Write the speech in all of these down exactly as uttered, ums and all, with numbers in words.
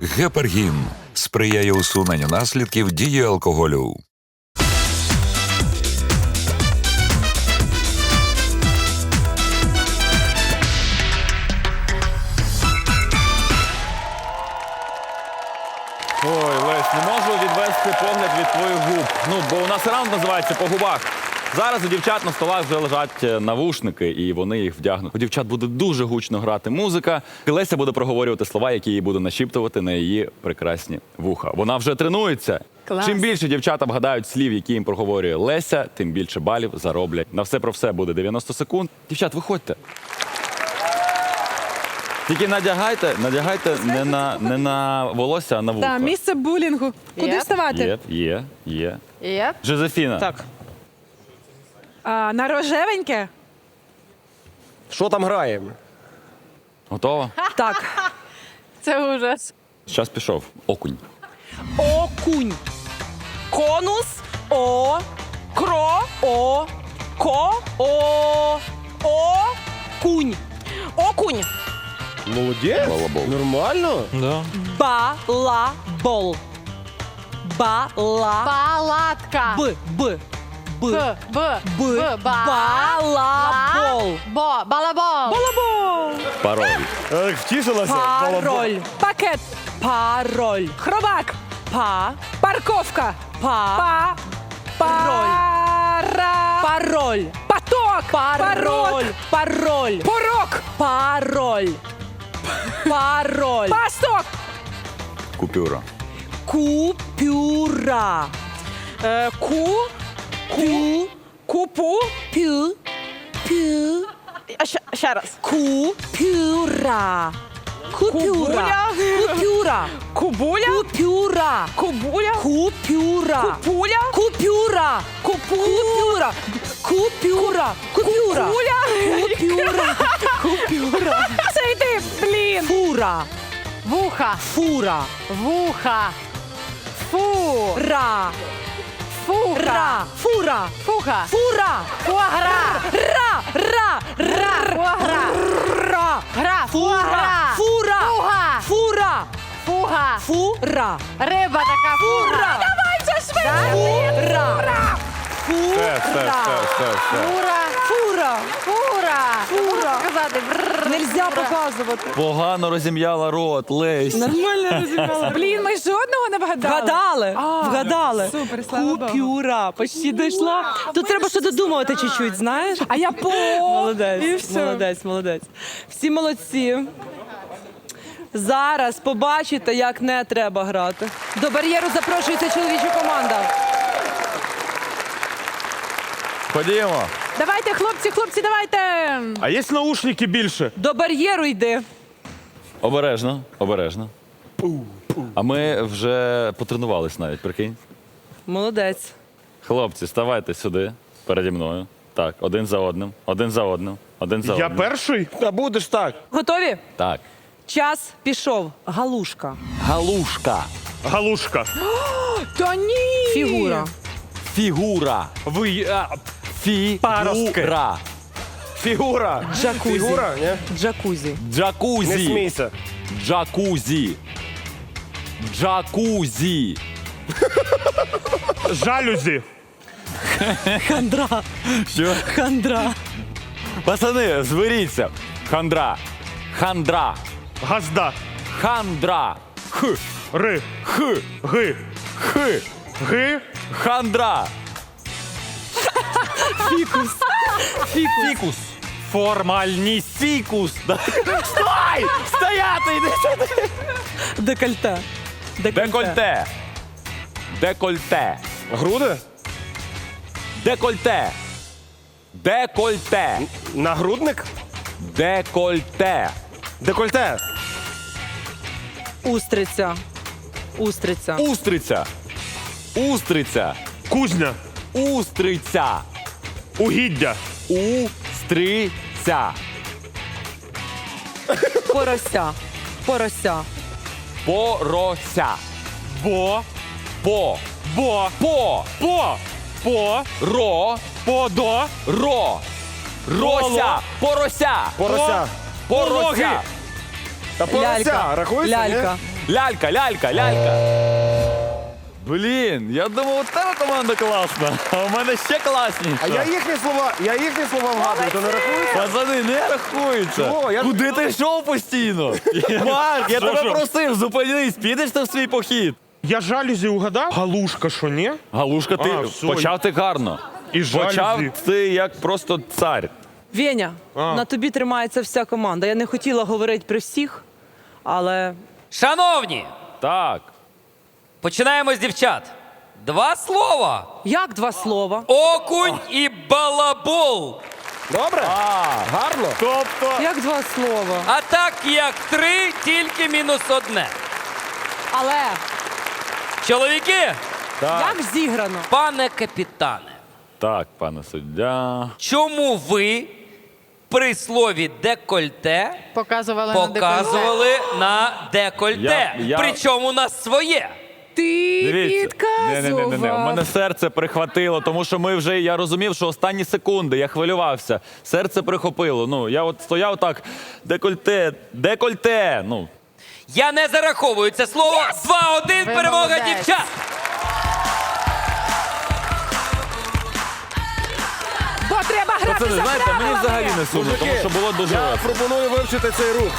Гепаргін сприяє усуненню наслідків дії алкоголю. Ой, Лесь, не можу відвести погляд від твоїх губ. Ну, бо у нас раунд називається «По губах». Зараз у дівчат на столах вже лежать навушники, і вони їх вдягнуть. У дівчат буде дуже гучно грати музика. І Леся буде проговорювати слова, які їй буде нашіптувати на її прекрасні вуха. Вона вже тренується. Клас. Чим більше дівчата вгадають слів, які їм проговорює Леся, тим більше балів зароблять. На все про все буде дев'яносто секунд. Дівчат, виходьте. Тільки надягайте, надягайте не на, не на волосся, а на вуха. Так, місце булінгу. Куди Є? вставати? Є, є, є. Є? Жозефіна. Так. А, на рожевеньке? Що там граємо? Готова? Так. Це ужас. Час пішов. Окунь. Окунь. Конус. О. Кро. О. Ко. О. О. Кунь. Окунь. Молодець. Балабол. Нормально? Балабол. Бала. Палатка. Б. Б. Б. Б. Б. Б. Б. Ба. Балабол. Бо. Балабол. Балабол. Пароль. Так, втішилася. Пароль. Пакет. Пароль. Хробак. Па. Парковка. Па. Па. Пара. Пароль. Поток. Пароль. Пароль. Порок. Пароль. Пароль. Пасток. Купюра. Купюра. Е, ку. Ку. Купу. Пю. Пю. А ще, ще раз. Купюра. Купюра. Кубуля. Купюра. Кубуля. Купюра. Кубуля. Купюра. Купуля. Купюра. Купюра. Купюра. Купюра. Куля. Купюра. Купюра. Це йди, блін. Фура. Вуха. Фура. Вуха. Фу. Ра. Фура. Ра. Фура. Фуха. Фура. Фуагра. Ра. Ра. Ра. Фуагра. Ра. Гра. Фура. Фура. Фуга. Фура. Фуга. Фура. Риба така фуга. Давай вже швидше. Фура. Все, все, все, все, все. Фура. Фура. Фура. Фура. Сказати. Бррр. Нельзя показувати. Погано розім'яла рот, Лесь. Нормально розібрала. Блін, ми жодного не вгадали. Вгадали, А, вгадали. супер, слава Богу. Купюра, почти дійшла. Тут треба ще додумувати чуть-чуть, знаєш? А я по. Молодець, І все. молодець, молодець. Всі молодці. Зараз побачите, як не треба грати. До бар'єру запрошується чоловіча команда. Ходімо. Давайте, хлопці, хлопці, давайте. А є наушники більше? До бар'єру йди. Обережно, обережно. А ми вже потренувались навіть, прикинь. Молодець. Хлопці, ставайте сюди, переді мною. Так, один за одним, один за одним, один за Я одним. перший? Та будеш так. Готові? Так. Час пішов. Галушка. Галушка. Галушка. Та ні. Фігура. Фігура. Ви... А, Фігура. фігура. Джакузі. Фігура, ні? Джакузі. Не Джакузі. смійся. Джакузі. Джакузі. Жалюзі. Хандра. Що? Хандра. Пацани, зберіться. Хандра. Хандра. Газда. Хандра. Х. Ри. Х. Ги. Х. Ги. Хандра. Фікус. Фікус. Формальність. Фікус. Стой! Стояти! Іди сюди! Декольте. Декольте. Декольте. Груди? Декольте. Декольте. Нагрудник? Декольте. Декольте. Устриця. Устриця. Устриця. Устриця. Кузня. Устриця. Угіддя. Устриця. Порося. Порося. Порося. Бо. По. Бо. По. По. По. Ро. Подо. Ро. Рося. Порося. Порося. Порося. Та порося. Лялька. Рахується, ні? Лялька. Лялька, лялька, лялька. Блін, я думав, у тебе команда класна, а у мене ще класніша. А я їхні слова, я їхні слова вгадую, то не рахується? Пацани, не рахується. Чого? Я- Куди ти йшов постійно? Марк, я тебе що? просив, зупинись, підеш ти в свій похід. Я жалюзі угадав? Галушка, що ні? Галушка, ти А, все. почав ти гарно. І Почав жалюзі. ти як просто цар. Веня, А. на тобі тримається вся команда. Я не хотіла говорити при всіх, але Шановні, Так. починаємо з дівчат. Два слова. як два слова? Окунь і балабол. Добре? Гарно? Тобто, Як два слова? А так як три, тільки мінус одне. Але Чоловіки, як зіграно? пане капітане, Так, пане суддя. чому ви при слові декольте Показували на декольте. показували на декольте? Я- я- Причому на своє. Ти підказував. Не-не-не, у мене серце прихватило, тому що ми вже, я розумів, що останні секунди, я хвилювався. Серце прихопило. Ну, я от стояв так, декольте, декольте. Ну, Я не зараховую це слово. два-один, Ви перемога молодець. дівчат. Бо треба грати це, за знаєте, мені правилами. взагалі не сумно, тому що було дуже Я весело. пропоную вивчити цей рух.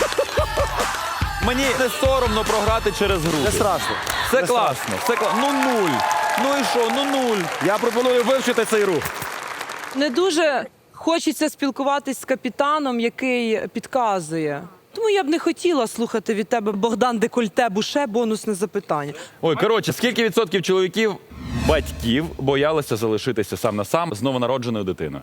Мені не соромно програти через груди. Не страшно. Все класно, все класно. Ну нуль. Ну і що, ну нуль. Я пропоную вивчити цей рух. Не дуже хочеться спілкуватись з капітаном, який підказує. Тому я б не хотіла слухати від тебе Богдан Декольте Буше бонусне запитання. Ой, коротше, скільки відсотків чоловіків, батьків боялися залишитися сам на сам з новонародженою дитиною?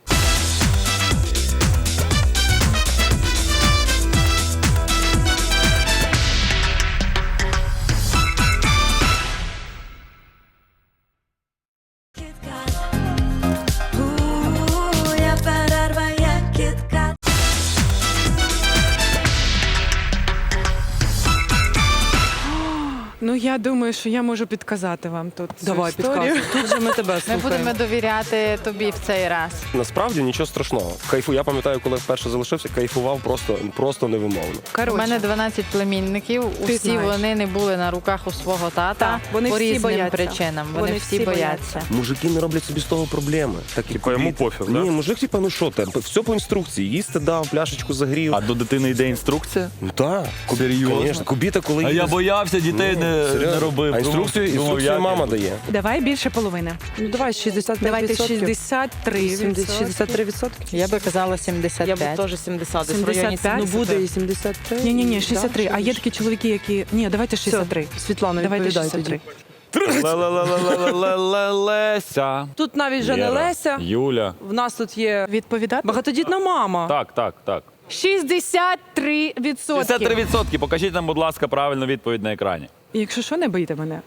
Моя перерва як кітка. Ну, я думаю, що я можу підказати вам тут цю Давай, історію. підказуй. Тут же ми тебе Ми слухаємо. будемо довіряти тобі в цей раз. Насправді нічого страшного. Кайфу. Я пам'ятаю, коли вперше залишився, кайфував просто, просто невимовно. У Коротше, мене дванадцять племінників. Ти Усі знаєш. вони не були на руках у свого тата Так, вони по всі різним бояться. причинам. Вони, Вони всі всі бояться. Мужики не роблять собі з того проблеми. Так, Типа йому пофіг, да? Ні, мужик, типа, ну що там, все по інструкції. Їсти дав, пляшечку загрів. А до дитини йде інструкція? Ну так. Серйозно? Звісно. Кубіта, коли А їде я з- боявся, дітей Ну, не, серйозно. не робив. А інструкцію, Думав, інструкцію як мама я- дає. давай більше половини. Ну давай шістдесят п'ять Давайте відсотків. шістдесят три відсотки. шістдесят три відсотки. Я би казала сімдесят Я п'ять. б теж сімдесят. десь в районі сімдесят п'ять? Ну буде і сімдесят три. Ні, ні, ні, шістдесят три. Да, А є такі чоловіки, які. Ні, давайте шістдесят три. Світлана, Давайте відповідай шістдесят три. тоді. Ле-ле-ле-ле-ле-леся. Тут навіть вже не Лєра, Леся. Юля. В нас тут є Відповідати? багатодітна мама. Так, так, так. шістдесят три відсотки. шістдесят три відсотки. Покажіть нам, будь ласка, правильну відповідь на екрані. Якщо що, не боїте мене.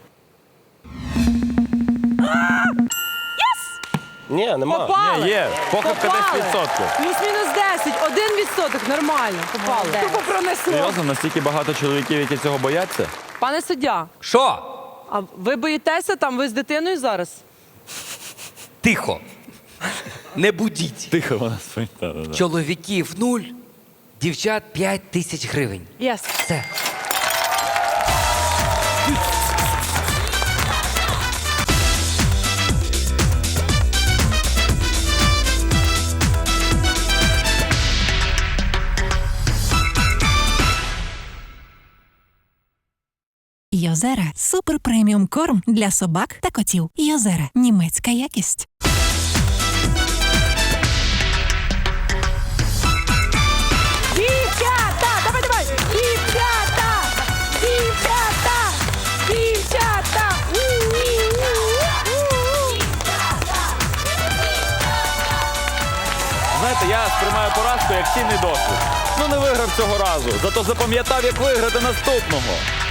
Ні, нема. Попали. Ні, є. Похибка Попали. десять відсотків. Плюс-мінус десять. Один відсоток. Нормально. Попали. Молодець. Тупо пронесло. Серйозно, настільки багато чоловіків, які цього бояться? Пане суддя, Що? а ви боїтеся там, ви з дитиною зараз? Тихо. Не будіть. Тихо вона спить. Да-да-да. Чоловіків нуль, дівчат п'ять тисяч гривень. Єс. Все. Йозера – супер преміум корм для собак та котів. Йозера – німецька якість. Дівчата! Давай, давай! Дівчата! Дівчата! Дівчата! У-у-у-у-у! Знаєте, я сприймаю поразку як цінний досвід. Ну не виграв цього разу, зато запам'ятав, як виграти наступного.